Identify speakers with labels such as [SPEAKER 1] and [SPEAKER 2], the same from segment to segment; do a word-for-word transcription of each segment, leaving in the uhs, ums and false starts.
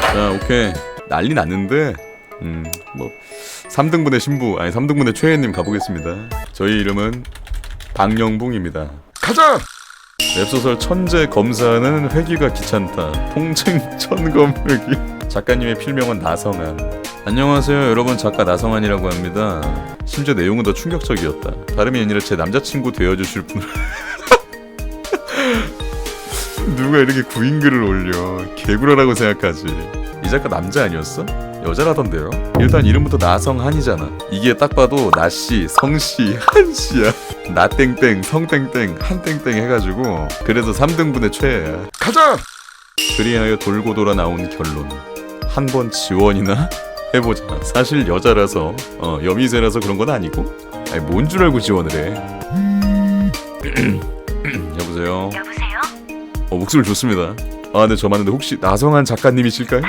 [SPEAKER 1] 자, 오케이. 난리 났는데 음, 뭐 삼 등분의 신부, 아니 삼 등분의 최애님 가보겠습니다. 저희 이름은 박영붕입니다. 가자! 웹소설 천재 검사는 회기가 귀찮다. 통칭 천검회기. 작가님의 필명은 나성한. 안녕하세요 여러분, 작가 나성한이라고 합니다. 심지어 내용은 더 충격적이었다. 다름이 아니라 제 남자친구 되어주실 분을 누가 이렇게 구인글을 올려. 개구라라고 생각하지. 이 작가 남자 아니었어? 여자라던데요. 일단 이름부터 나성한이잖아. 이게 딱 봐도 나씨, 성씨, 한씨야. 나땡땡, 성땡땡, 한땡땡 해가지고 그래서 삼 등분의 최애야. 가자! 그리하여 돌고 돌아 나온 결론. 한 번 지원이나 해보자. 사실 여자라서 어 여미새라서 그런 건 아니고. 아니 뭔 줄 알고 지원을 해. 여보세요?
[SPEAKER 2] 여보세요?
[SPEAKER 1] 어 목소리 좋습니다. 아 네, 저 맞는데 혹시 나성한 작가님이실까요?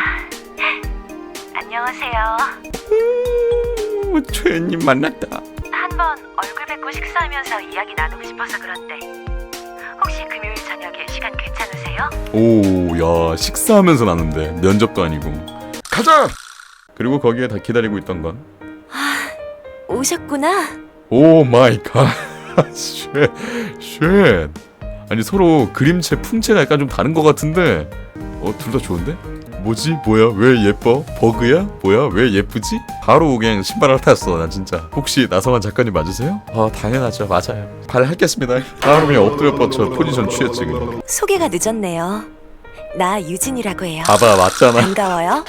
[SPEAKER 2] 안녕하세요.
[SPEAKER 1] 오, 최애님 만났다.
[SPEAKER 2] 한번 얼굴 뵙고 식사하면서 이야기 나누고 싶어서 그런데 혹시 금요일 저녁에 시간 괜찮으세요?
[SPEAKER 1] 오, 야, 식사하면서 나는데 면접도 아니고. 가자! 그리고 거기에 다 기다리고 있던 건
[SPEAKER 2] 오셨구나.
[SPEAKER 1] 오 마이 갓. 쉣. 쉣. 아니 서로 그림체 풍채가 약간 좀 다른 것 같은데 어, 둘 다 좋은데? 뭐지? 뭐야? 왜 예뻐? 버그야? 뭐야? 왜 예쁘지? 바로 그냥 신발 핥았어 나 진짜. 혹시 나성한 작가님 맞으세요? 아 당연하죠. 맞아요. 발 핥겠습니다. 바로 그냥 엎드려 뻗쳐 포지션 취했지 그냥.
[SPEAKER 2] 소개가 늦었네요. 나 유진이라고 해요.
[SPEAKER 1] 봐봐 맞잖아.
[SPEAKER 2] 반가워요.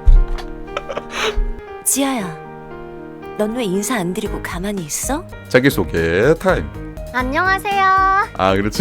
[SPEAKER 2] 지아야, 넌 왜 인사 안 드리고 가만히 있어?
[SPEAKER 1] 자기소개 타임.
[SPEAKER 3] 안녕하세요.
[SPEAKER 1] 아 그렇지.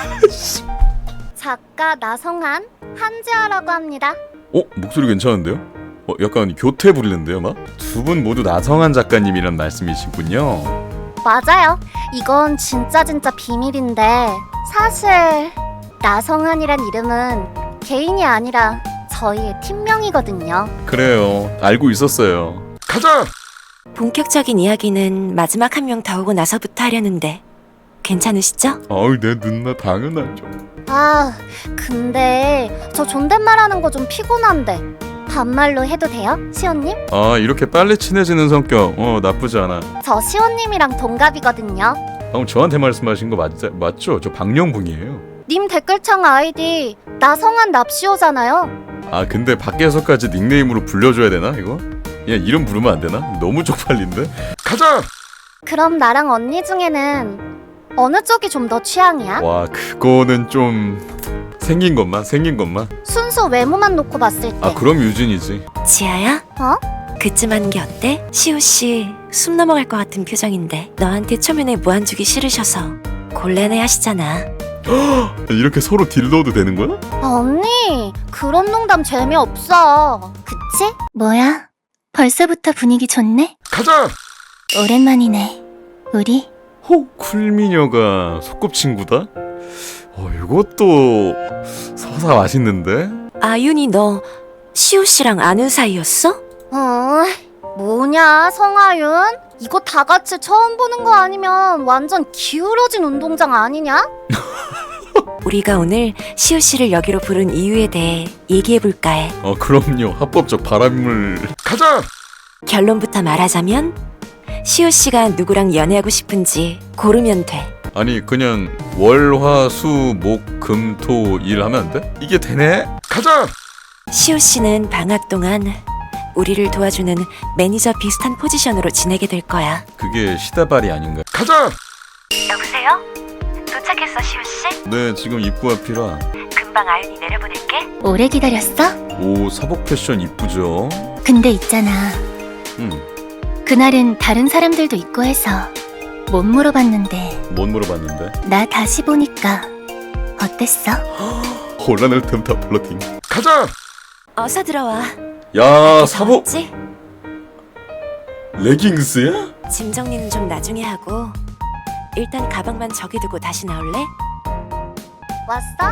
[SPEAKER 3] 작가 나성한 한지아라고 합니다.
[SPEAKER 1] 어? 목소리 괜찮은데요? 어, 약간 교태 부리는데요 막? 두 분 모두 나성한 작가님이란 말씀이시군요.
[SPEAKER 3] 맞아요. 이건 진짜 진짜 비밀인데 사실 나성한이란 이름은 개인이 아니라 저희의 팀명이거든요.
[SPEAKER 1] 그래요. 알고 있었어요. 가자!
[SPEAKER 2] 본격적인 이야기는 마지막 한 명 더 오고 나서부터 하려는데 괜찮으시죠?
[SPEAKER 1] 어우 내 누나 당연하죠.
[SPEAKER 3] 아, 근데 저 존댓말하는 거 좀 피곤한데 반말로 해도 돼요? 시온님?
[SPEAKER 1] 아 이렇게 빨리 친해지는 성격 어 나쁘지 않아.
[SPEAKER 3] 저 시온님이랑 동갑이거든요.
[SPEAKER 1] 방금 저한테 말씀하신 거 맞, 맞죠? 저 박영붕이에요.
[SPEAKER 3] 님 댓글창 아이디 나성한 납시오잖아요.
[SPEAKER 1] 아 근데 밖에서까지 닉네임으로 불려줘야 되나 이거? 그냥 이름 부르면 안 되나? 너무 쪽팔린데? 가자!
[SPEAKER 3] 그럼 나랑 언니 중에는 어느 쪽이 좀 더 취향이야?
[SPEAKER 1] 와 그거는 좀 생긴 것만 생긴 것만.
[SPEAKER 3] 순수 외모만 놓고 봤을 때.
[SPEAKER 1] 아 그럼 유진이지.
[SPEAKER 2] 지아야?
[SPEAKER 3] 어?
[SPEAKER 2] 그쯤 하는 게 어때? 시우씨 숨 넘어갈 것 같은 표정인데 너한테 초면에 무한 주기 싫으셔서 곤란해 하시잖아.
[SPEAKER 1] 이렇게 서로 딜러도 되는 거야?
[SPEAKER 3] 언니, 그런 농담 재미없어. 그치?
[SPEAKER 4] 뭐야? 벌써부터 분위기 좋네?
[SPEAKER 1] 가자!
[SPEAKER 4] 오랜만이네. 우리?
[SPEAKER 1] 호 쿨미녀가 소꿉친구다? 어 이것도 서사 맛있는데?
[SPEAKER 2] 아윤이 너 시우씨랑 아는 사이였어?
[SPEAKER 3] 어, 뭐냐, 성아윤? 이거 다 같이 처음 보는 거 아니면 완전 기울어진 운동장 아니냐?
[SPEAKER 2] 우리가 오늘 시우씨를 여기로 부른 이유에 대해 얘기해볼까 해.
[SPEAKER 1] 어 그럼요. 합법적 바람을. 가자!
[SPEAKER 2] 결론부터 말하자면 시우씨가 누구랑 연애하고 싶은지 고르면 돼.
[SPEAKER 1] 아니 그냥 월화수목금토 일 하면 안 돼? 이게 되네? 가자!
[SPEAKER 2] 시우씨는 방학 동안 우리를 도와주는 매니저 비슷한 포지션으로 지내게 될 거야.
[SPEAKER 1] 그게 시다발이 아닌가? 가자!
[SPEAKER 2] 여보세요? 도착했어, 시우씨?
[SPEAKER 1] 네 지금 입구 앞이라.
[SPEAKER 2] 금방 아윤이 내려보낼게.
[SPEAKER 4] 오래 기다렸어?
[SPEAKER 1] 오 사복 패션 이쁘죠?
[SPEAKER 4] 근데 있잖아.
[SPEAKER 1] 응.
[SPEAKER 4] 그날은 다른 사람들도 있고 해서 못 물어봤는데
[SPEAKER 1] 못 물어봤는데.
[SPEAKER 4] 나 다시 보니까 어땠어?
[SPEAKER 1] 혼란을 틈타 플러팅. 가자!
[SPEAKER 2] 어서 들어와.
[SPEAKER 1] 야 사복
[SPEAKER 2] 지
[SPEAKER 1] 레깅스야?
[SPEAKER 2] 짐 정리는 좀 나중에 하고 일단 가방만 저기 두고 다시 나올래?
[SPEAKER 3] 왔어?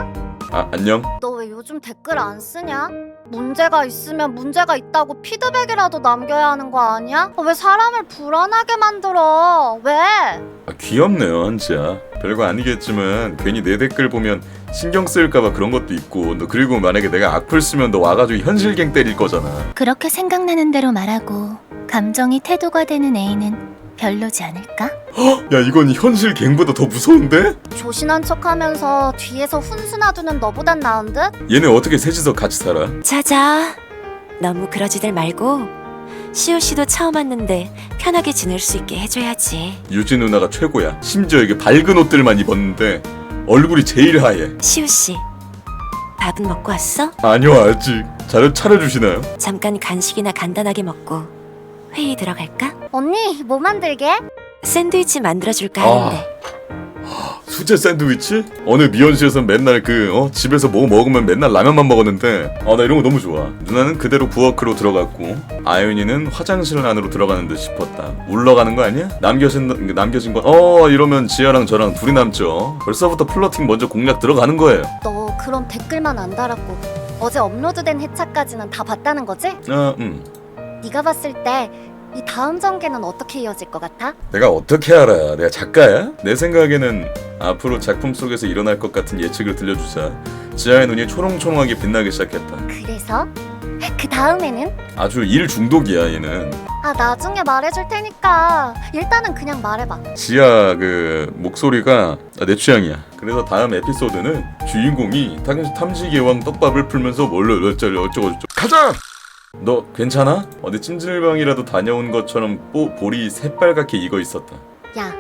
[SPEAKER 1] 아 안녕.
[SPEAKER 3] 너 왜 요즘 댓글 안 쓰냐? 문제가 있으면 문제가 있다고 피드백이라도 남겨야 하는 거 아니야? 왜 사람을 불안하게 만들어? 왜?
[SPEAKER 1] 아, 귀엽네요 한지야. 별거 아니겠지만 괜히 내 댓글 보면 신경 쓰일까봐 그런 것도 있고 너 그리고 만약에 내가 악플 쓰면 너 와가지고 현실갱 때릴 거잖아.
[SPEAKER 4] 그렇게 생각나는 대로 말하고 감정이 태도가 되는 애인은 별로지 않을까?
[SPEAKER 1] 야 이건 현실갱보다 더 무서운데?
[SPEAKER 3] 조신한 척하면서 뒤에서 훈수 놔두는 너보단 나은 듯?
[SPEAKER 1] 얘네 어떻게 셋이서 같이 살아?
[SPEAKER 2] 자자. 너무 그러지들 말고 시오씨도 처음 왔는데 편하게 지낼 수 있게 해줘야지.
[SPEAKER 1] 유진 누나가 최고야. 심지어 이게 밝은 옷들만 입었는데 얼굴이 제일 하얘.
[SPEAKER 2] 시오씨, 밥은 먹고 왔어?
[SPEAKER 1] 아니요 아직. 잘 차려주시나요?
[SPEAKER 2] 잠깐 간식이나 간단하게 먹고 회의 들어갈까?
[SPEAKER 3] 언니 뭐 만들게?
[SPEAKER 2] 샌드위치 만들어줄까
[SPEAKER 1] 아.
[SPEAKER 2] 하는데.
[SPEAKER 1] 수제 샌드위치? 어느 미연씨에선 맨날 그 어? 집에서 뭐 먹으면 맨날 라면만 먹었는데 아 나 이런 거 너무 좋아. 누나는 그대로 부엌으로 들어갔고 아윤이는 화장실 안으로 들어가는 듯 싶었다. 울러가는 거 아니야? 남겨진 남겨진 건 어 이러면 지아랑 저랑 둘이 남죠. 벌써부터 플러팅 먼저 공략 들어가는 거예요.
[SPEAKER 3] 너 그럼 댓글만 안 달았고 어제 업로드된 회차까지는 다 봤다는 거지?
[SPEAKER 1] 아 음.
[SPEAKER 3] 네가 봤을 때 이 다음 전개는 어떻게 이어질 것 같아?
[SPEAKER 1] 내가 어떻게 알아? 내가 작가야? 내 생각에는 앞으로 작품 속에서 일어날 것 같은 예측을 들려주자 지아의 눈이 초롱초롱하게 빛나기 시작했다.
[SPEAKER 3] 그래서? 그 다음에는?
[SPEAKER 1] 아주 일 중독이야 얘는.
[SPEAKER 3] 아 나중에 말해줄 테니까 일단은 그냥 말해봐.
[SPEAKER 1] 지아 그 목소리가 내 취향이야. 그래서 다음 에피소드는 주인공이 탐- 탐지개왕 떡밥을 풀면서 뭘로 어쩌고 어쩌고 가자! 너 괜찮아? 어디 찜질방이라도 다녀온 것처럼 뽀, 볼이 새빨갛게 익어 있었다.
[SPEAKER 3] 야.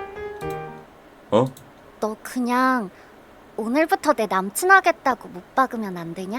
[SPEAKER 1] 어?
[SPEAKER 3] 너 그냥 오늘부터 내 남친 하겠다고 못 박으면 안 되냐?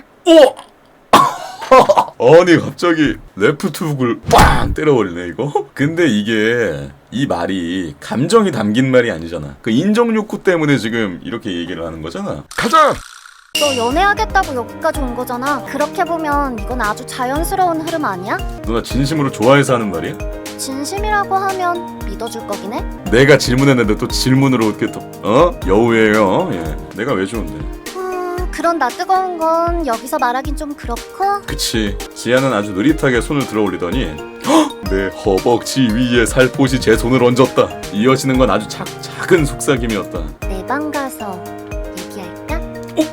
[SPEAKER 1] 아니 갑자기 레프트 훅을 빵 때려버리네 이거. 근데 이게 이 말이 감정이 담긴 말이 아니잖아. 그 인정 욕구 때문에 지금 이렇게 얘기를 하는 거잖아. 가자!
[SPEAKER 3] 너 연애하겠다고 여기까지 온 거잖아. 그렇게 보면 이건 아주 자연스러운 흐름 아니야?
[SPEAKER 1] 누나 진심으로 좋아해서 하는 말이야?
[SPEAKER 3] 진심이라고 하면 믿어줄 거긴 해?
[SPEAKER 1] 내가 질문했는데 또 질문으로 이렇게 또 어? 여우예요. 예. 내가 왜 좋은데?
[SPEAKER 3] 음, 그런 나 뜨거운 건 여기서 말하긴 좀 그렇고.
[SPEAKER 1] 그치. 지아는 아주 느릿하게 손을 들어 올리더니 헉! 내 허벅지 위에 살포시 제 손을 얹었다. 이어지는 건 아주 작, 작은 속삭임이었다.
[SPEAKER 3] 내 방 가서 얘기할까?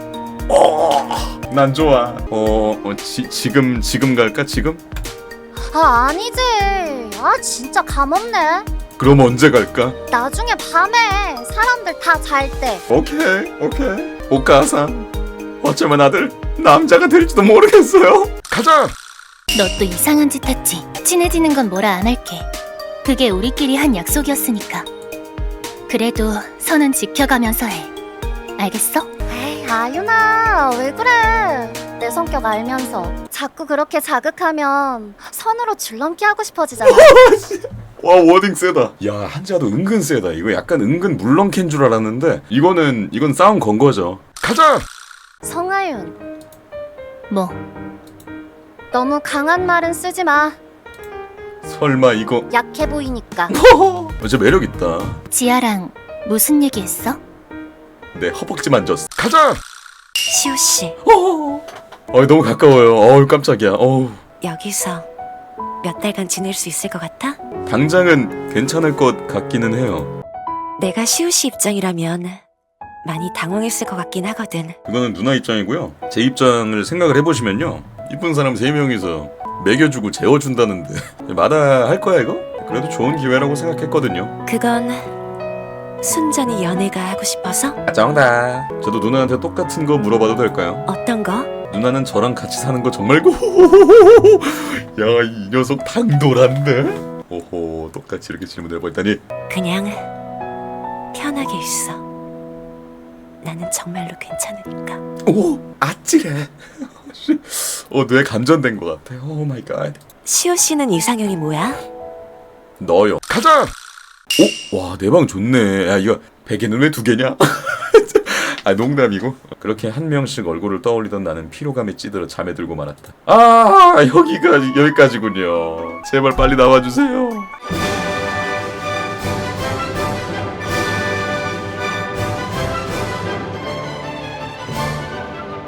[SPEAKER 1] 어, 난 좋아. 어, 어 지, 지금 지금 갈까 지금?
[SPEAKER 3] 아 아니지. 아 진짜 감없네.
[SPEAKER 1] 그럼 언제 갈까?
[SPEAKER 3] 나중에 밤에 사람들 다 잘 때.
[SPEAKER 1] 오케이 오케이. 오카상. 어쩌면 아들 남자가 될지도 모르겠어요. 가자.
[SPEAKER 4] 너 또 이상한 짓 했지. 친해지는 건 뭐라 안 할게. 그게 우리끼리 한 약속이었으니까. 그래도 선은 지켜가면서 해. 알겠어?
[SPEAKER 3] 에이 아윤아 왜 그래? 내 성격 알면서 자꾸 그렇게 자극하면 선으로 줄넘기 하고 싶어지잖아.
[SPEAKER 1] 와 워딩 세다. 야 한자도 은근 세다. 이거 약간 은근 물렁캔 줄 알았는데 이거는 이건 싸움 건 거죠. 가자.
[SPEAKER 3] 성아윤
[SPEAKER 4] 뭐?
[SPEAKER 3] 너무 강한 말은 쓰지 마.
[SPEAKER 1] 설마 이거
[SPEAKER 3] 약해 보이니까.
[SPEAKER 1] 어제 매력 있다.
[SPEAKER 4] 지아랑 무슨 얘기했어?
[SPEAKER 1] 내 허벅지 만졌어. 가자.
[SPEAKER 2] 시오씨,
[SPEAKER 1] 어 너무 가까워요. 어우 깜짝이야. 어우.
[SPEAKER 2] 여기서 몇 달간 지낼 수 있을 것 같아?
[SPEAKER 1] 당장은 괜찮을 것 같기는 해요.
[SPEAKER 2] 내가 시오씨 입장이라면 많이 당황했을 것 같긴 하거든.
[SPEAKER 1] 그거는 누나 입장이고요. 제 입장을 생각을 해보시면요. 이쁜 사람 세 명이서 먹여주고 재워준다는데 마다할 거야 이거? 그래도 좋은 기회라고 생각했거든요.
[SPEAKER 2] 그건 순전히 연애가 하고 싶어서?
[SPEAKER 1] 정답. 저도 누나한테 똑같은 거 물어봐도 될까요?
[SPEAKER 2] 어떤 거?
[SPEAKER 1] 누나는 저랑 같이 사는 거 정말 고. 야, 이 녀석 당돌한데. 오호, 똑같이 이렇게 질문을 해버리다니.
[SPEAKER 2] 그냥 편하게 있어. 나는 정말로 괜찮으니까.
[SPEAKER 1] 오, 아찔해. 어, 뇌 감전된 것 같아. 오 마이 갓.
[SPEAKER 2] 시오 씨는 이상형이 뭐야?
[SPEAKER 1] 너요. 가자. 오, 와, 내 방 좋네. 야, 이거 베개는 왜 두 개냐? 아, 농담이고. 그렇게 한 명씩 얼굴을 떠올리던 나는 피로감에 찌들어 잠에 들고 말았다. 아, 여기가 여기까지군요. 제발 빨리 나와주세요.